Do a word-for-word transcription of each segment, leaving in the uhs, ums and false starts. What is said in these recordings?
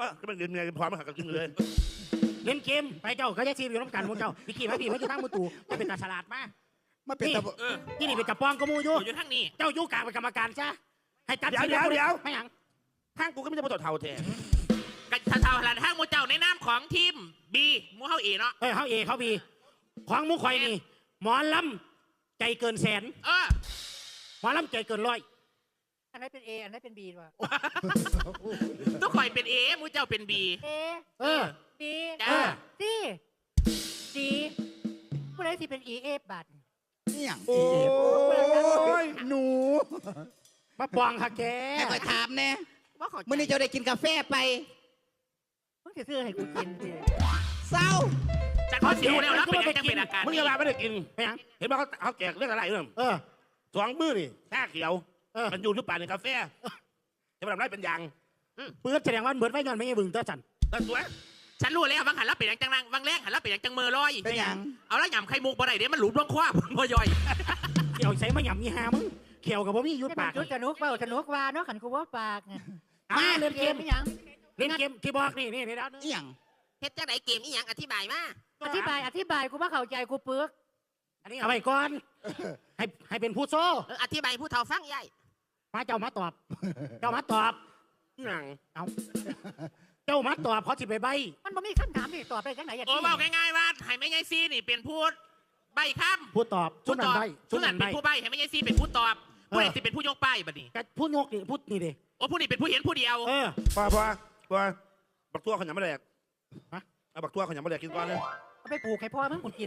ก็เป็นเงินเงินพร้อมมาหักกันเลยเล่นเกมไปเจ้าก็จะซีอยู่น้ำกันมึงเจ้าพี่ขี่มาพี่มาอยู่ทางมือตู่จะเป็นตาฉลาดมากมาเป็นตะที่นี่เป็นจับปองก็มูอยู่อยู่ทางนี้เจ้าอยู่กลางเป็นกรรมการซะให้จัดเดี๋ยวเดี๋ยวเดี๋ยวไม่หยังทางกูก็ไม่ได้มาต่อเท่าแท้กันเท่าๆหลังทางมูเจ้าในนามของทีมบีมูเฮาเอเนาะเออเขาเอเขาบีของมูข่อยนี่หมอลำใจเกินแสนเออหมอลำใจเกินร้อยอันนั้นเป็นเออันนั้นเป็นบีว่ะทุกข่อยเป็นเอมูเจ้าเป็นบีเอเออบีจ้าซีซีผู้ใดที่เป็นอีเอฟบัตรเนี่ยโอ้ยหนูมาปองค่ะแกให้คอยถามแน่เมื่อนี้เจ้าได้กินกาแฟไปมึงจะซื้อให้กูกินสิเศร้าจัดเขาเสียวแล้วแล้วเป็นยังเป็นอาการมึงจะมาไม่ได้กินเห็นว่าเขาเขาแจกเรื่องอะไรเรื่องเออสองมือนี่แค่เขียวมันอยู่ที่ป่าในกาแฟจะมาทำไรเป็นยังเปิดแสดงว่าเหมือนไว้นอนไม่ยังบึงเตอร์สันตั้งตัวฉันรู้แล้วบางหันแล้วเป็นยังจังนังบางแรงหันแล้วเป็นยังจังเมอลอยเป็นยังเอาแล้วหยำไข่มุกบ่ได้เดี๋ยวมันหลุดร่องคว้าบ่ย่อยเขียวใส่มาหยำมีหามึงเขียวกับบ่มียุดปากยุดกระนุกเปล่ากระนุกว่าเนาะขันกูว่าปากมาเล่นเกมไม่ยังเล่นเกมที่บอกนี่นี่นี่แล้วนี่ยังเฮ็ดจังไหนเกมนี่ยังอธิบายมาอธิบายอธิบายกูว่าเข้าใจกูเปลือกอันนี้เอาไปก่อนให้ให้เป็นผู้โซ่อธิบายผู้เฒ่าฟังใหญ่มาเจ้ามาตอบเจ้ามาตอบหนังเอาเจ้ามาตอบเขาจิไปใบมันบ่มีคำถามที่ตอบไปจังไหนโอ้บอกง่ายๆว่าให้แม่ยายซีนี่เป็นพูดใบคำผู้ตอบผู้ตอบผู้นั้นเป็นผู้ใบให้แม่ยายซีเป็นผู้ตอบผู้นี้สิเป็นผู้ยกป้ายบัดนี้ผู้ยกนี่พูดนี่ดิโอ้ผู้นี้เป็นผู้เห็นผู้เดียวเออพอพอพอบักตัวเขาหยำไม่แดกฮะเอาบักตัวเขาหยำไม่แดกกินก่อนเลยเอาไปปลูกให้พ่อมึงกิน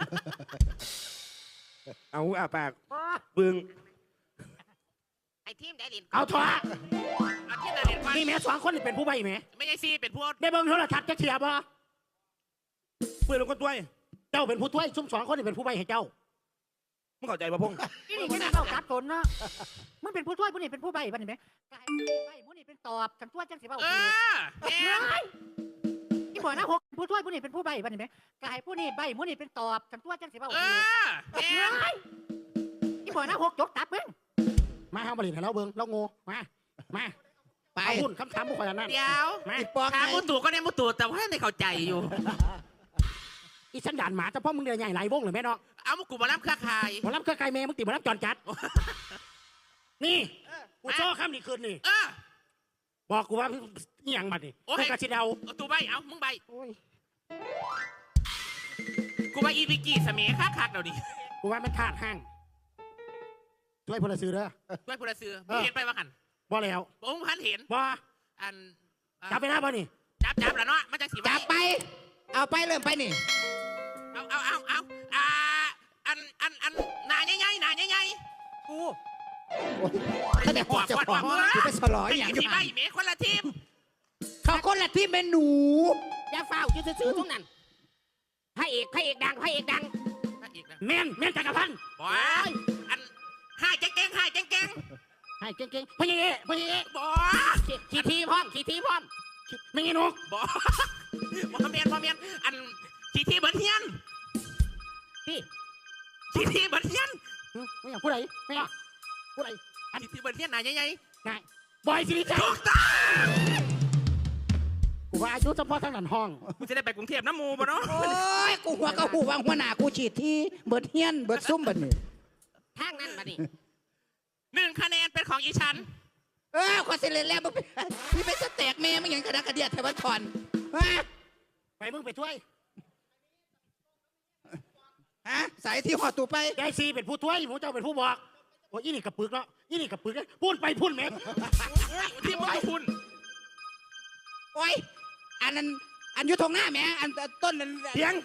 เอาอ่ะปากบึงไอ้ทีมได้เล่นเอาถอดเอาทีมได้เล่นก่อนนี่แม่สองคนเป็นผู้ใบไหมไม่ใช่ซีเป็นผู้ได้เบิ่งโทรทัศน์จะเทียบป่ะเพื่อนลงก้นด้วยเจ้าเป็นผู้ถ้วยซุ่มสองคนนี่เป็นผู้ใบให้เจ้ามึงเข้าใจป่ะพงษ์นี่นี่ไม่เข้ากัดตนเนาะมึงเป็นผู้ถ้วยผู้นี้เป็นผู้ใบบ้านนี่ไหมกายใบผู้นี้เป็นตอบฉันถ้วยจังสิบ้าเออนี่บอกนะหกผู้ถ้วยผู้นี้เป็นผู้ใบบ้านนี่ไหมกายผู้นี้ใบผู้นี้เป็นตอบฉันถ้วยจังสิบ้าเออนี่บอกนะหกยกตับมึงมาเอาบริษัทเราเบิ้งเราโง่มามาไปพูดคำถามบุคคลนั้นเดี๋ยวถามมุตุก็ได้มุตุแต่ว่าไม่เข้าใจอยู่อีสันดานหมาแต่พ่อมึงเดือดใหญ่ไหลวงหรือแม่เนาะเอามุกุมารับเครือข่ายมารับเครือข่ายแม่มึงติดมารับจอนจัดนี่กูโซ่ข้ามนี่คืนนี่บอกกูว่าอีหยังมาดิกูกระชิดเอาตูใบเอามึงใบกูว่าอีวิกี้สมัยคักคักเดี๋ยวดิกูว่ามันขาดห้างช่วยพลซื้อเด้อช่วยพลซื้อเห็นไปว่าหันบ่แล้วผมพันเห็นบ่อันจับไปหน้าบ่นี่จับจับแล้วเนาะมันจะสีจับไปเอาไปเริ่มไปนี่เอาเอาเอาเอาอ่าอันอันอันหนาใหญ่ๆหนาใหญ่ๆกูถ้าแต่หัวจะหัวกูไปสลอยอย่างที่ใบเมฆคนละทีมเขาคนละทีมเป็นหนูอย่าเฝ้ายืดซื้อทุกนั้นพระเอกพระเอกดังพระเอกดังแม่นแม่นจักรพันธ์บอยอันให้เก่งๆให้เก่งๆให้เก่งๆพระเอกพระเอกบอขี่ทีพร้อมขี่ทีพร้อมไม่งี้นกบอมอเมียนมอเมียนอันขี่ทีเบิร์ดเฮียนพี่ขี่ทีเบิร์ดเฮียนไม่อยากพูดอะไรไม่อยากพูดอะไรอันขี่ทีเบิร์ดเฮียนไหนยังไงไงบอยสิริชัยถูกต้องกูว่าอายุเฉพาะทางหลังห้องกูจะได้ไปกรุงเทพน้ำมูบ่เนาะโอ้ยกูหัวก็หูวางหัวหน้ากูฉีดที่เบิร์ดเฮียนเบิร์ดซุ่มบัดนี้ทางนั้นบัดนี้หนึ่งคะแนนเป็นของอีฉันเออขอเสร็จแล้วมึงพี่เป็นสเต็กเมย์มึงอย่างกระดากระเดียดแถวบ้านถอนไปมึงไปช่วยฮะสายที่หอตูไปยายซีเป็นผู้ช่วยหมูเจ้าเป็นผู้บอกโอ้ยนี่กับปึกเนาะนี่กับปึกพูดไปพูดแม่ที่มึงพูดโอ้ยอันนั้นอันยุทงหน้าแม่อันต้นนั้นเพียง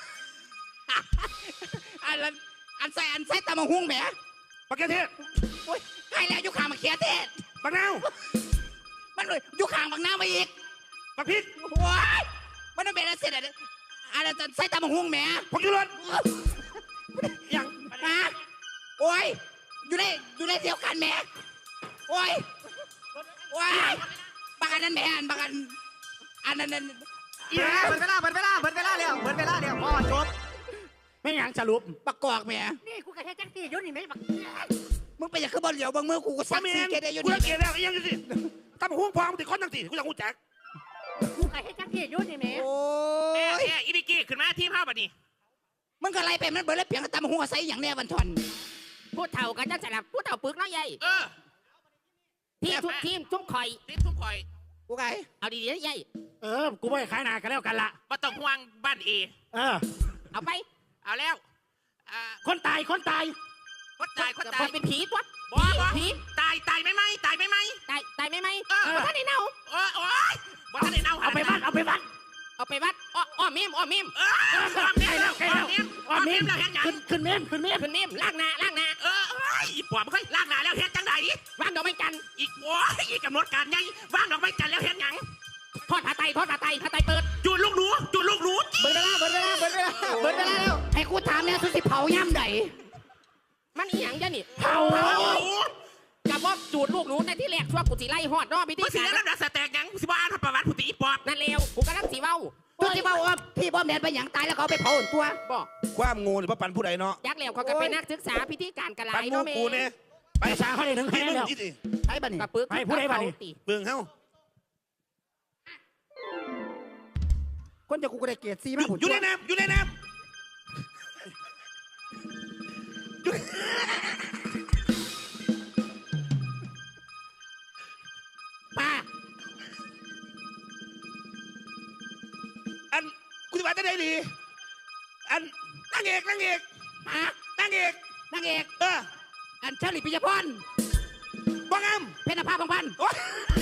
อันนั้นอันใส่อันใส่ตะมังหุ่งแม่ปักเกเทศโอ้ยใครแล้วยุคางมาเขียเทศปักนาวมันเลยยุคางปักนาวมาอีกปักพิษโอ้ยมันต้องเป็นอะไรเสร็จอะไรอันนั้นใส่ตะมังหุ่งแม่ปักยุรนยังนะโอ้ยอยู่ในอยู่ในเดียวกันแม่โอ้ยโอ้ยบางอันนั้นแม่อันบางอันอันนั้นนั่นเปิดเวลาเปิดเวลาเปิดเวลาเร็วเปิดเวลาเร็วพ่อจบไม่ยังสรุปประกอบแม่นี่กูกระเทยจังตียุ่นนี่ไม่บักมึงไปอยากขึ้นบอลเหลียวบางมือกูก็สั่งซีเกตได้ยุ่นกูเกตแล้วยังสิตั้งหัวพองติดคนตั้งสี่กูอยากหูแจ็คกูไก่ให้จักที่อยู่นี่แหม่โอ้แม่ยแม่อีบิกี้ขึ้นมาทีมเฮาบัดนี้มันก็ไล่ไปมันเบิดแล้วเพียงตามหัวใส่อย่างแน่วันทอนผู้เฒ่ากันจังสลับผู้เฒ่าปึกเนาะยายเออทีมทุกทีมทุกข่อยทีมทุกข่อยกูไก่เอาดีๆนะยายเออกูไม่ขายหนากันแล้วกันละบ่ต้องห่วงบ้านเอเออเอาไปเอาแล้วอ่าคนตายคนตายคนตายคนคตายนเป็นผีตัวบ่บ่ผีตายตายไหมไหมตายไหมไหมตายตายไหมไหมเออท่านได้เน่าโอ้ยโอ้ยบ่ทันได้เน่าเอาไปบ้านเอาไปบ้านเอาไปวัดอ้ออ้อมเมมอ้อมเมมเอออ้อมเมมแล้วใกล้อ้อแล้วมเมมอ๋อ้ออมเมเมมมแล้วเฮ็ดหยังขึ้นขึ้นเมมขึ้นเมมขึ้นเมมล้างหน้าล้างหน้าเออเอ้ยอีปอบมันค่อยล้างหน้าแล้วเฮ็ดจังไดวางดอกไม้จันทร์อีกโอ้ยอีกกำหนดการไงว่างดอกไม้จันทร์แล้วเฮ็ดหยังทอดผ้าไตรทอดผ้าไตรผ้าไตรเปิดจูดลูกหนูจูดลูกหนูเบิดเวลาเบิดเวลาเบิดเวลาเบิดเวลาแล้วให้กูถามเนี่ยสุสิเผาย่ำใดมันอีหยังจ้ะนี่เผาโอ้โหกับว่าจูดลูกหนูในที่แรกชั่วกูสิไล่หอดเนอพิธีมึงสิการเล่นลำดับสแตกหยังสิบ่อ่านประวัติผู้ตีอีปอบนั่นเลวกูกำลังสีเว้าสุสิเผาว่าพี่บอมแดนไปหยังตายแล้วเขาเอาไปเผาตัวบอกความงูหรือว่าปันผู้ใดเนาะยักษ์แล้วเขาก็เป็นนักศึกษาพิธีการกระไรปันงูเนาะแม่กูเนี่ยไปสาเขาได้ถึงพี่แค่มึงแล้วคิดดิใช่ปะนี่กับปึกไปผู้ใดบ้านี่ติเบิ่งเฮาคนจะกูก็ได้เกียรติซีมากอยู่ในน้ำอยู่ในน้ป้าำอันกูจะมาจะได้ดี อันนางเอกนางเอกฮะนางเอกนางเอกเอออันเชลิปิยพรบ้างามเพชรภาพบางพันโอ๊ย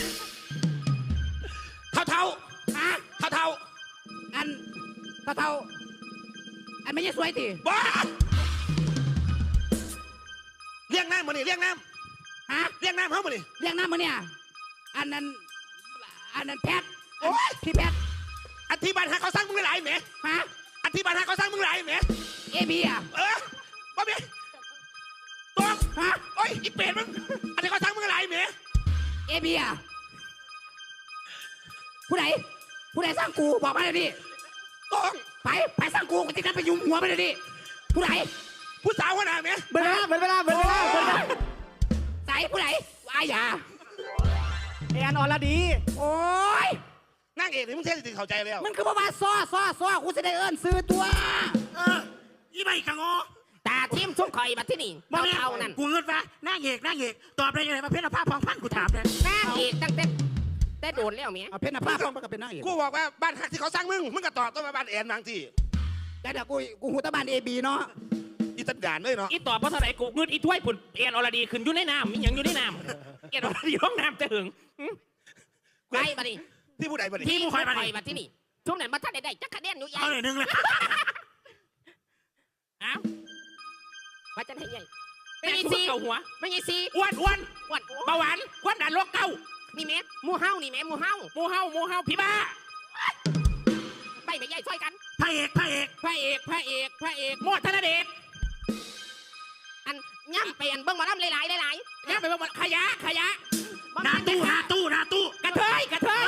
เท่าเท่าฮะเท่าเท่าอันเท่าเท่าอันไม่ใช่สวยติบ้าเลี้ยงน้ำมานี่เลี้ยงน้ฮะำเลี้ยงน้ำเฮามานี่เรียกน้ำมาเนี่ยอันนั้นอันนั้นแพทโอ๊ยพี่แพทอธิบายหาเขาสร้างมึงหลายแหมฮะอธิบายหาเขาสร้างมึงหลายแหมเอบีอ่ะเออบ่มีตัวฮะโอ้ยอีเป็ดมึงอันนี้เขาสร้างมึงหลายแหมเอบีอ่ะผู้ใดผู้ใดสร้างกูบอกมาเลยดิต้องไปไปสร้างกูกูจะนัดไปยุมหัวไปเลยดิผู้ใดผู้สาวหัวหน้าแหมเบิดเวลาเบิดเวลาเบิดเวลาเบิดเวลาใส่ผู้ใดวายาแอนอรดีโอ้ยนางเอกนี่มึงเท่จริงเข้าใจแล้วมันคือบ่มาซ้อซ้อซ้อกูจะได้เอิ้นซื้อตัวเออยี่ใบกังอตาทีมทุกข่อยบัดที่นี่บ่เท่าแม่เท่านั้นกูเงินฟ้าหน้าเอกหน้าเอกตอบได้ยังไงมาเพชรภาพพองพันกูถามเลยหน้าเอกตั้งแต่แต่โดนแล้วเมียเอาเพชรภาพต้องไปกับเป็นนางเอกกูบอกว่าบ้านฮักที่เขาสร้างมึงมึงก็ตอบต้องมาบ้านแอนบางทีแต่เดี๋ยวกูกูหูตะบานเอบีเนาะอีตันดานเลยเนาะอีตอบเพราะเท่าไหร่กูเงินอีถ้วยผุนเอ็นอรดีขึ้นอยู่ในน้ำมีหยังอยู่ในน้ำเอ็นอรดีห้องน้ำจะหึงไปบัดนี้ที่ผู้ใดบ่ทีนี่มทุกข่อยบัดที่นี่ช่วงนั้นมาท่านได้ได้จักคะแนนอยู่ใหญ่เอาเลยหนึ่งเลยเอ้าว่าจะให้ใหญ่ไม่ไม่มีมีซีซีเก่าหัวไม่มีซีอ้วนอ้วนอ้วนเบาหวานความดันโรคเก่านี่แม่หมูเฮานี่แม่หมูเฮาหมูเฮาหมูเฮาพี่บ้าไปไม่ใหญ่ช่วยกันพระเอกพระเอกพระเอกพระเอกพระเอกโมดธนเดชอันย่ำไปอันเบิ้งหมาล่ำหลายๆหลายเนี่ยไปว่าขยะขยะๆบ่หน้าแม่ตู้นหน้าตู้หน้าตู้กระเทยกระเทย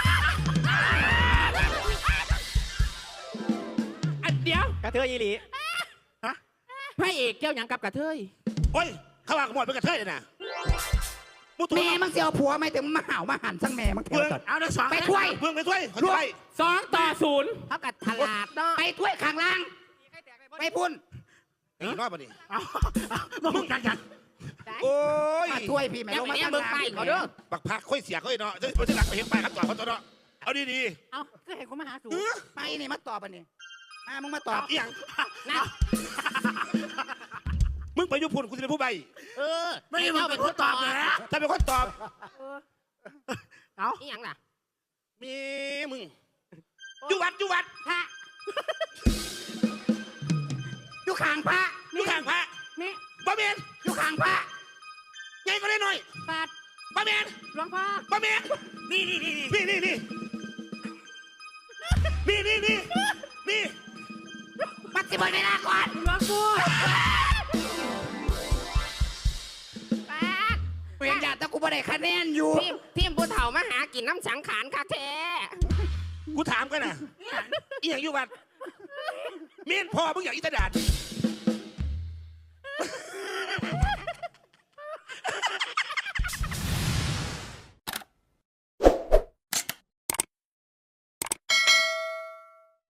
อันเดียวกระเทยอีหลีพระเอกเกี่ยวหยังกับกระเทยโอ้ยเขาว่ากูหมดเป็นกระเทยเลยนะมุตัวแม่มึงเสียวผัวไหมถึงมาห่าวมาหันสั่งแม่มึงเถเพื่อนอะเอาเดี๋ยวสองไปถ้วยเพื่อนไปถ้วยเขาถ้วยสองต่อศูนย์เขากัดฉลาดเนาะไปถ้วยข้างล่าง ไปพุ่นไอ้น้อยบ่นี่เอาเอามึงกันกันโอ้ยมาถ้วยพี่แม่ยังลงไม่มาแน่ข้างเบิ้งล่างไปเขาเด้อบักพักค่อยเสียค่อยเนาะจะจะหลักไปเห็นไปครับต่อเขาตัวเนาะเอาดีเอาก็เห็นกูมาหาสูๆเออไปนี่มาตอบอันนี้อ่ามึงมาตอบอีหยังนะมึงไปยุพุ่นกูจะเป็นผู้ใบเออไม่ได้มึงเป็นคนตอบเลยนะถ้าเป็นคนตอบเอานี่ยังล่ะมีมึงอยู่วัดอยู่วัดพระอยู่ข้างพระอยู่ข้างพระนี่บ่เมนอยู่ข้างพระไงก็ได้หน่อยปาดบ่เมนหลวงพ่อบ่เมนนี่นี่นี่นี่นี่นี่นี่นี่นี่นี่นี่ปัดสิบเวลาก่อนหลวงกูปาดเปลี่ยนญาติแต่กูไม่ได้คะแนนอยู่ทีมทีมผู้เฒ่ามาหากินน้ำสังขารค่ะแท้กูถามกันนะอีหยังอยู่วัดเมียนพ่อมึงอยากอีตาดาน